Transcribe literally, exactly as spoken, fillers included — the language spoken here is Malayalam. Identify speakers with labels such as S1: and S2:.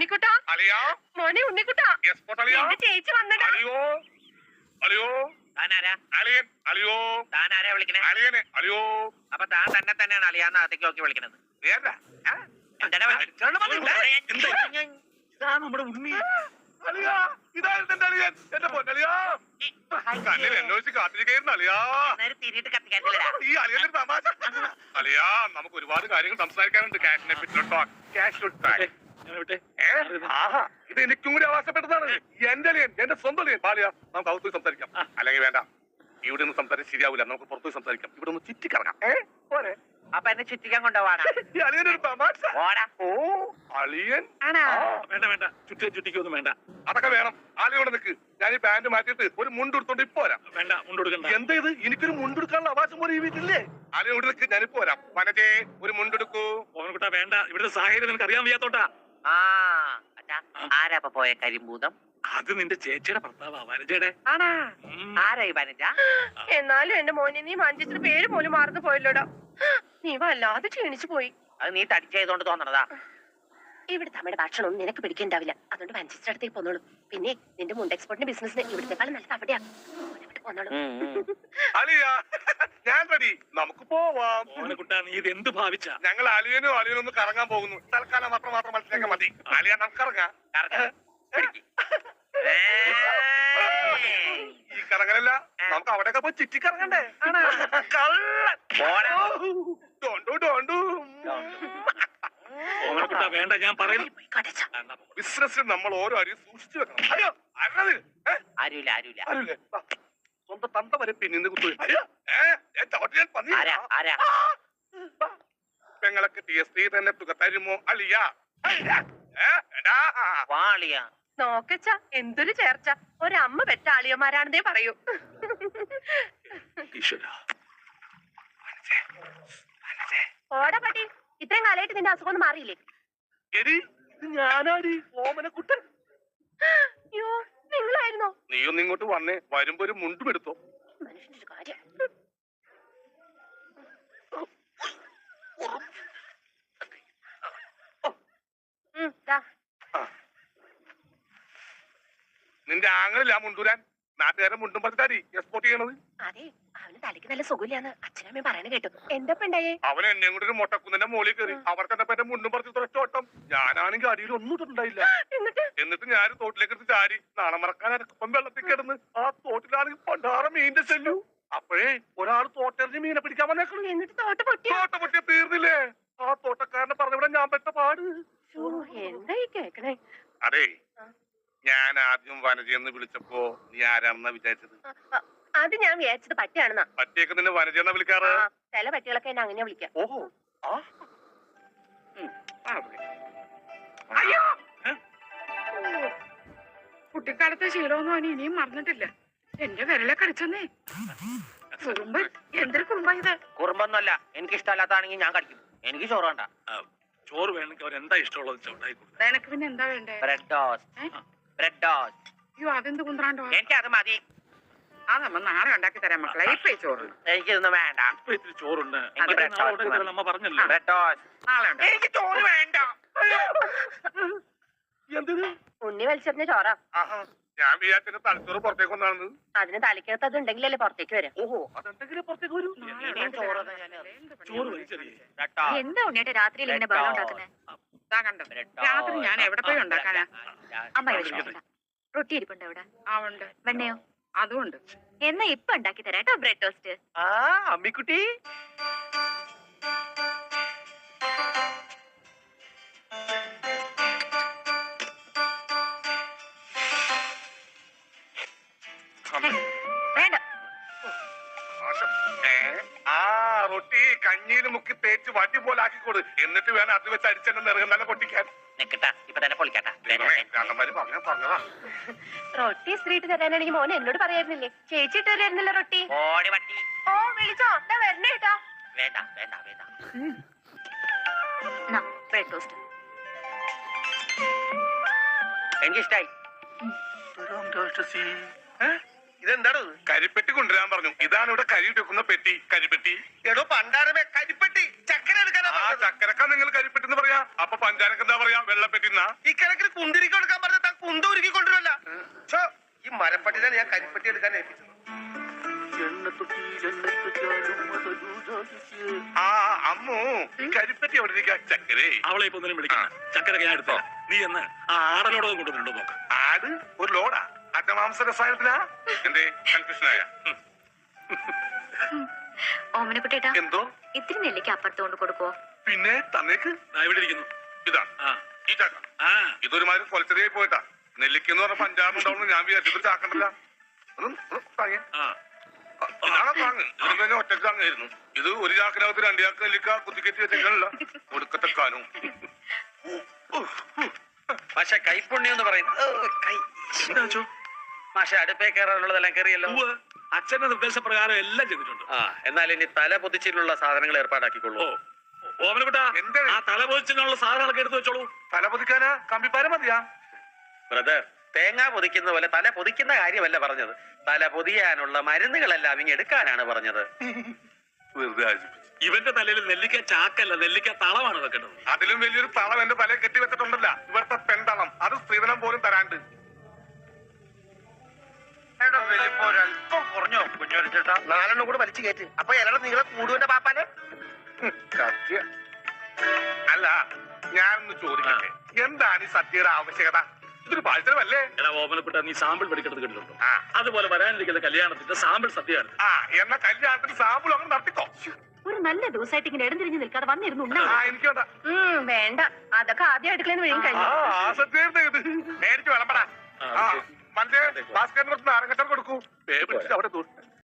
S1: ഉണ്ണിക്കുട്ടാ മോനെ ഉണ്ണിക്കുട്ടാ എന്റെ ചേച്ചി വന്നടാ.
S2: അളിയോ അളിയോ
S3: താനാരാ
S2: അളിയൻ അളിയോ
S3: താനാരാ വിളിക്കണേ?
S2: അളിയനെ അളിയോ.
S3: അപ്പൊ താൻ തന്നെ തന്നെയാണ് അളിയാന്ന് അകത്തേക്ക് നോക്കി വിളിക്കണത്.
S2: നമ്മുടെ ഉണ്ണി അളിയാ. ഇതായിരുന്നു എന്റെ അളിയൻ, എന്റെ പൊന്നളിയാ. കണ്ണിൽ എന്നോച്ച് കാത്തിരിക്കുന്നു അളിയാ.
S3: തിരിയിട്ട് കത്തിക്കാറ്റില്ലടാ.
S2: ഈ അളിയനൊരു തമാശ. അളിയാ, നമുക്ക് ഒരുപാട് കാര്യങ്ങൾ സംസാരിക്കാനുണ്ട്. ക്യാഷിനെ പറ്റിട്ടോ. ക്യാഷ് ഇത് എനിക്കും കൂടി അവകാശപ്പെട്ടതാണ്. എന്റെ അളിയൻ, എന്റെ സ്വന്തം അളിയൻ ബാലിയ. നമുക്ക് അകത്ത് സംസാരിക്കാം. അല്ലെങ്കിൽ വേണ്ട, ഇവിടെ നിന്ന് സംസാരിച്ച് ശരിയാവില്ല. നമുക്ക് പുറത്തു സംസാരിക്കാം. ഇവിടെ ഒന്ന് ചുറ്റിക്കറങ്ങാം. ഏഹ് പോരെ?
S3: അപ്പൊ എന്നെ ചുറ്റിക്കാൻ കൊണ്ടുപോവാണ്.
S2: ഈ അളിയനൊരു തമാശ. ഓ അളിയൻ.
S4: വേണ്ട വേണ്ട, ചുറ്റി ചുറ്റിക്കൊന്നും വേണ്ട.
S2: അതൊക്കെ വേണം. ആളിയോടെ നിൽക്ക്. ഞാൻ ഈ പാന്റ് മാറ്റിയിട്ട് ഒരു മുണ്ടെടുത്തോണ്ട് ഇപ്പൊ വരാം.
S4: വേണ്ട, മുണ്ടെടുക്കണ്ട.
S2: എന്താ ഇത്? എനിക്കൊരു മുണ്ടെടുക്കാനുള്ള അവകാശം പോലെ ഈ വീട്ടില്ലേ? ആളിയോട് നിൽക്ക്, ഞാനിപ്പോ വരാം. വനജേ, ഒരു മുണ്ടെടുക്കൂ.
S4: ഓനക്കുട്ടാ വേണ്ട, ഇവിടുത്തെ സാഹചര്യം നിനക്ക് അറിയാൻ വയ്യാത്തോട്ടാ.
S3: ആ ആരാ അപ്പൊ പോയ കരിമ്പൂതം?
S4: അത് നിന്റെ ചേച്ചിയുടെ ഭർത്താവാ, വനജയുടെ.
S3: ആരാ ഈ വനജ?
S1: എന്നാലും എന്റെ മോനെ നീ മാഞ്ചേച്ചിയുടെ പേര് പോലും മറന്നു പോയല്ലോടാ. നീ വല്ലാതെ ക്ഷീണിച്ചു പോയി.
S3: അത് നീ തടിച്ചതുകൊണ്ട് തോന്നണതാ.
S1: ഇവിടുത്തെ അമ്മയുടെ ഭക്ഷണം നിനക്ക് പിടിക്കണ്ടാവില്ല. അതുകൊണ്ട് മാഞ്ചേച്ചിയുടെ അടുത്തേക്ക് പോന്നോളൂ. പിന്നെ നിന്റെ മുണ്ട് എക്സ്പോർട്ടിന്റെ ബിസിനസിന് ഇവിടത്തെക്കാളും നല്ല അവിടെയാ.
S2: ഞാൻ റെഡി, നമുക്ക് പോവാം.
S4: ഓനക്കുട്ടാ, നീ ഇത് എന്ത് ഭാവിച്ച?
S2: ഞങ്ങൾ അലിയനും അലിയനും ഒന്ന് കറങ്ങാൻ പോകുന്നു. തൽക്കാലം മാത്രം മാത്രം മനസ്സിലാക്കാൻ മതി. അലിയ, നമുക്ക് ഇറങ്ങാം. ഈ കറങ്ങലല്ല, നമുക്ക് അവിടെയൊക്കെ പോയി ചുറ്റിക്കറങ്ങണ്ടേ?
S4: ഓനക്കുട്ടാ വേണ്ട, ഞാൻ പറയുന്നു.
S2: ബിസിനസ്സിൽ നമ്മൾ ഓരോ അരിയും സൂക്ഷിച്ചു വെക്കണം. അയ്യോ അരുത്.
S3: ആരുമില്ല ആരുമില്ല
S2: ആരുമില്ലേ? സ്വന്തം തന്ത വരെ പിന്നിന്ന് കുത്തു. പെങ്ങളൊക്കെ ടി എസ് ടി തന്നെ തുക തരുമോ അളിയ?
S1: നോക്കച്ച എന്തൊരു ചേർച്ച. ഒരമ്മ പെറ്റ ആളിയന്മാരാണെന്നേ പറയൂ. ഓടാ പട്ടി, ഇത്രയും കാലമായിട്ട് നിന്റെ അസുഖം ഒന്നും മാറിയില്ലേ?
S2: ഞാനാടി ഓമനക്കുട്ടൻ.
S1: അയ്യോ, നിങ്ങളായിരുന്നോ?
S2: നീയൊന്ന് ഇങ്ങോട്ട് വന്നേ. വരുമ്പോ ഒരു മുണ്ടും എടുത്തോ.
S1: മനുഷ്യന്റെ കാര്യം.
S2: നിന്റെ ആങ്ങളില്ല മുണ്ടൂരാൻ. നാട്ടുകാരെ മുണ്ടും പറഞ്ഞാടി എക്സ്പോർട്ട് ചെയ്യണത്.
S1: അതെ, അവന് തലയ്ക്ക് നല്ല സുഖമില്ലാന്ന് അച്ഛനമ്മ പറയണ കേട്ടു. എന്താ ഉണ്ടായേ?
S2: അവൻ എന്നെ കൂടെ ഒരു മൊട്ടക്കുന്നിന്റെ മോളിൽ കയറി. അവർക്ക് എന്നെ പറ്റ മുണ്ടും പറിച്ച് തുറച്ചോട്ടം. ഞാനാണെങ്കിൽ അടിയിൽ ഒന്നും ഇട്ടിട്ടുണ്ടായില്ല. എന്നിട്ട് ഞാൻ തോട്ടിലേക്ക് എടുത്ത് ചാരി. നാളെ മറക്കാൻ അരപ്പം വെള്ളത്തിൽ കിടന്ന് ആ തോട്ടിലാണെങ്കിൽ പണ്ടാറ മീനിന്റെ ചെല്ലു. അപ്പോഴേ ഒരാൾ തോട്ടെറിഞ്ഞ് മീനെ പിടിക്കാൻ വന്നേക്കണം.
S1: എന്നിട്ട് തോട്ട പൊട്ടിയ
S2: തോട്ട പൊട്ടിയ തീർന്നില്ലേ? ആ തോട്ടക്കാരനെ പറഞ്ഞവിടെ ഞാൻ പെട്ട പാട്.
S1: എന്തായി കേക്കണേ?
S2: അതെ, ഞാൻ ആദ്യം വനജയെന്ന് വിളിച്ചപ്പോ നീ ആരാണെന്നാ വിചാരിച്ചത്?
S1: അത് ഞാൻ വിചാരിച്ചത് പട്ടിയാണെന്നാ.
S2: പട്ടിയൊക്കെ നിന്നെ വനജയെന്നാ വിളിക്കാറ്?
S1: ചില പട്ടികളൊക്കെ എന്നെ അങ്ങനെ വിളിക്കാം.
S2: ഓഹോ,
S5: കുട്ടിക്കാലത്തെ ശീലമൊന്നും അവന് ഇനിയും മറന്നിട്ടില്ല. എന്റെ വിരലെ കടിച്ചെന്നേ. കുറുമ്പ്, എന്തൊരു കുറുമ്പാ ഇത്?
S3: കുറുമ്പൊന്നുമല്ല, എനിക്ക് ഇഷ്ടമല്ലാത്താണെങ്കിൽ ഞാൻ കടിക്കും. എനിക്ക് ചോറ് വേണ്ട.
S4: ചോറ് വേണമെങ്കിൽ അവർ എന്താ ഇഷ്ടമുള്ളത് ചോട്ടായി കൊടുക്കും.
S5: നിനക്ക് പിന്നെ എന്താ വേണ്ടേ?
S3: Bread toast. Bread toast.
S5: അയ്യോ, അതെന്ത് കുന്ത്രാണ്ടോ?
S3: എനിക്ക് അത് മതി.
S5: അതമ്മ നാളെ ഉണ്ടാക്കി തരാം മക്കളെ. ഇപ്പൊ ചോറ്
S3: എനിക്കിതൊന്നും വേണ്ട.
S4: ഇപ്പൊ ഇത്തിരി ചോറുണ്ട്.
S3: അമ്മ
S4: പറഞ്ഞല്ലോ
S3: ബ്രെഡ് ടോസ്റ്റ്.
S5: നാളെ
S3: എനിക്ക് ചോറ് വേണ്ട.
S2: എന്തിന്?
S1: ഉണ്ണി വലിച്ചെറിഞ്ഞ ചോറാ.
S2: ഞാൻ വിചാരിച്ച തലച്ചോറ് പുറത്തേക്ക് വന്നാണ്.
S1: അതിന് തലയ്ക്കകത്ത് അത് ഉണ്ടെങ്കിലല്ലേ പുറത്തേക്ക് വരാം.
S2: ഓഹോ, അതെന്തെങ്കിലും പുറത്തേക്ക് വരൂ.
S1: എന്താ ഉണ്ണിയേട്ടാ രാത്രിയിൽ ഇങ്ങനെ ബഹളം ഉണ്ടാക്കുന്നത്?
S5: രാത്രി ഞാൻ എവിടെ പോയി ഉണ്ടാക്കാനാ?
S1: അമ്മ റൊട്ടി ഇരിപ്പുണ്ട് അവിടെ.
S5: ആ ഉണ്ട്.
S1: വെണ്ണയോ?
S5: അതുകൊണ്ട്
S1: എന്നാ ഇപ്പൊ ഉണ്ടാക്കി തരാം കേട്ടോ ബ്രെഡ് ടോസ്റ്റ്.
S3: ആ അമ്മിക്കുട്ടി,
S1: വേണ്ട.
S2: ആ റൊട്ടി കഞ്ഞിയിൽ മുക്കി തേച്ച് വടി പോലെ ആക്കിക്കൊടു. എന്നിട്ട് വേണം അത് വെച്ച് അടിച്ചെന്നെ നിറങ്ങുന്ന പൊട്ടിക്കാൻ.
S3: നിക്കട്ടാ, ഇപ്പൊ തന്നെ പൊളിക്കട്ടാ.
S2: പറഞ്ഞതാ.
S1: റൊട്ടി സ്ത്രീട്ട് തരാനാണെങ്കിൽ മോനെ എന്നോട് പറയായിരുന്നില്ലേ? ചേച്ചി ഇട്ട് തരായിരുന്നല്ലോ റൊട്ടി.
S3: ഓടി വട്ടി.
S1: ഓ വിളിച്ചോ, എന്താ വരണേ കേട്ടോ.
S3: വേണ്ട വേണ്ട വേണ്ട.
S1: ബ്രെഡ് ടോസ്റ്റ്
S3: എനിക്കിഷ്ടായി.
S2: ഇതെന്താണ്? കരിപ്പെട്ടി കൊണ്ടുവരാൻ പറഞ്ഞു. ഇതാണ് ഇവിടെ കരി വെക്കുന്ന പെട്ടി. കരിപ്പെട്ടി.
S3: എടോ പണ്ടാരമേ, കരിപ്പെട്ടി ചക്കര എടുക്കാനാ.
S2: ചക്കരക്ക നിങ്ങൾ കരിപ്പെട്ടിന്ന് പറയാ. അപ്പൊ പഞ്ചാരക്ക് എന്താ പറയാ? വെള്ളപ്പെട്ടിന്നാ.
S6: ഈ കിഴക്കിന് കുന്തിരിക്ക് കൊടുക്കാൻ പറഞ്ഞ താൻ കുന്ത ഉരുക്കി കൊണ്ടുവരല്ല. ഈ മരപ്പട്ടിനാണ് ഞാൻ കരിപ്പെട്ടി എടുക്കാൻ ഏൽപ്പിച്ചത്.
S2: ആ അമ്മു, ഈ കരിപ്പെട്ടി എവിടെ ഇരിക്കാ? ചക്കരേ,
S4: അവളെ ഇപ്പൊ ഒന്നിനും വിളിക്കണം. ചക്കരൊക്കെ ഞാൻ എടുത്ത നീ എന്ന് ആ ആടലോടൊന്നും കൊണ്ടുവന്നിട്ടുണ്ടോ നോക്ക്.
S2: ആട് ഒരു ലോഡാ? അജമാംസ രസായനത്തിനാ? എന്തേ കൺഫ്യൂഷനായ?
S1: ഓമനക്കുട്ടേട്ടാ,
S2: എന്തോ
S1: ഇത്തിരി നെല്ലിക്ക് അപ്പുറത്തോണ്ട് കൊടുക്കുവോ?
S2: പിന്നെ തന്നേക്ക്.
S4: ദാ ഇവിടെ ഇരിക്കുന്നു.
S2: ഇതാ
S4: ആ
S2: ഈ ചാക്ക.
S4: ആ
S2: ഇതൊരുമാതിരി കൊലച്ചെറിയായി പോയിട്ടാ. നെല്ലിക്കെന്ന് പറഞ്ഞ പഞ്ചാബുണ്ടാവുന്നു ഞാൻ വിചാരിച്ചു. ഇതൊരു ചാക്കണ്ടല്ല. താങ്ങേ
S4: ആ
S2: ഇതാണ് താങ്ങ്. ഇതിന് തന്നെ ഒറ്റക്ക് താങ്ങായിരുന്നു. ഇത് ഒരു ചാക്കിനകത്ത് രണ്ട് ചാക്ക് നെല്ലിക്ക കുത്തിക്കെറ്റി വെച്ചല്ല കൊടുക്കത്തെക്കാനും.
S3: പക്ഷെ കൈപ്പുണ്യം എന്ന് പറയുന്നത് കൈ
S4: എന്താ വെച്ചോ?
S3: പക്ഷെ അടുപ്പേ കയറാനുള്ളതെല്ലാം കയറിയല്ലോ.
S4: ഉവ്വ്. അച്ഛന്റെ നിർദ്ദേശപ്രകാരം എല്ലാം ചെയ്തിട്ടുണ്ട്.
S3: ആ എന്നാൽ ഇനി തല പൊതിച്ചിലുള്ള സാധനങ്ങൾ ഏർപ്പാടാക്കിക്കൊള്ളൂ.
S4: ഓ ഓമനക്കുട്ടാ,
S2: എന്താ?
S4: ആ തലപോച്ചിനുള്ള സാധനങ്ങളൊക്കെ എടുത്തു വെച്ചോളൂ.
S2: തല പൊതിക്കാനാ? കമ്പിപ്പാര മതിയാ?
S3: ബ്രദർ, തേങ്ങ പൊതിക്കുന്ന പോലെ തല പൊതിക്കുന്ന കാര്യമല്ല പറഞ്ഞത്. തല പൊതിയാനുള്ള മരുന്നുകളെല്ലാം ഇങ്ങ് എടുക്കാനാണ് പറഞ്ഞത്.
S2: വെറുതെ ആശിപ്പിച്ചു.
S4: ഇവന്റെ തലയിൽ നെല്ലിക്ക ചാക്കല്ല, നെല്ലിക്ക തളമാണ് വെക്കേണ്ടത്.
S2: അതിലും വലിയൊരു തളം എന്റെ തലയിൽ കെട്ടി വെച്ചിട്ടുണ്ടല്ല. ഇവിടുത്തെ പെൺതളം. അത് സ്ത്രീധനം പോലും തരാണ്ട്.
S6: ഒരല്പം കുറഞ്ഞോ കുഞ്ഞോരിച്ചേട്ടാ? നാലെണ്ണം കൂടെ വലിച്ചു കയറ്റ്. അപ്പൊ ഇലയുടെ നീളെ കൂടുവിന്റെ പാപ്പാനെ.
S2: സത്യ അല്ല, ഞാനൊന്ന് ചോദിക്കട്ടെ, എന്താണ് ഈ സത്യയുടെ ആവശ്യകത? ഇതൊരു പാഴ്ചലമല്ലേ?
S4: എടാ ഓമനക്കുട്ട, നീ സാമ്പിൾ പഠിക്കുന്നത് കണ്ടിട്ടുണ്ടോ?
S2: ആ.
S4: അതുപോലെ വരാനിരിക്കുന്ന കല്യാണത്തിന്റെ സാമ്പിൾ സദ്യയാണ്.
S2: ആ എന്നാ കല്യാണത്തിന് സാമ്പിൾ അങ്ങനെ നടത്തിക്കോ.
S1: ഒരു നല്ല ദിവസമായിട്ട് ഇങ്ങനെ ഇടംതിരിഞ്ഞ് നിൽക്കാതെ വന്നിരുന്നു.
S2: ആ എനിക്ക് വേണ്ട.
S1: വേണ്ട, അതൊക്കെ ആദ്യം അടുക്കളന്ന് വഴിയും
S2: ആ
S1: കഴിഞ്ഞു.
S2: ആ സത്യായിരുന്നു ഇത്. മേടിച്ച് വിളമ്പടാ.
S4: ആ,
S2: ആ
S4: ശരി.
S2: മറ്റേ ഭാസ്കരന് കുറച്ച് നാരങ്ങച്ചാർ കൊടുക്കൂ. പേ പിടിച്ചിട്ട് അവിടെ തൂട്ട്.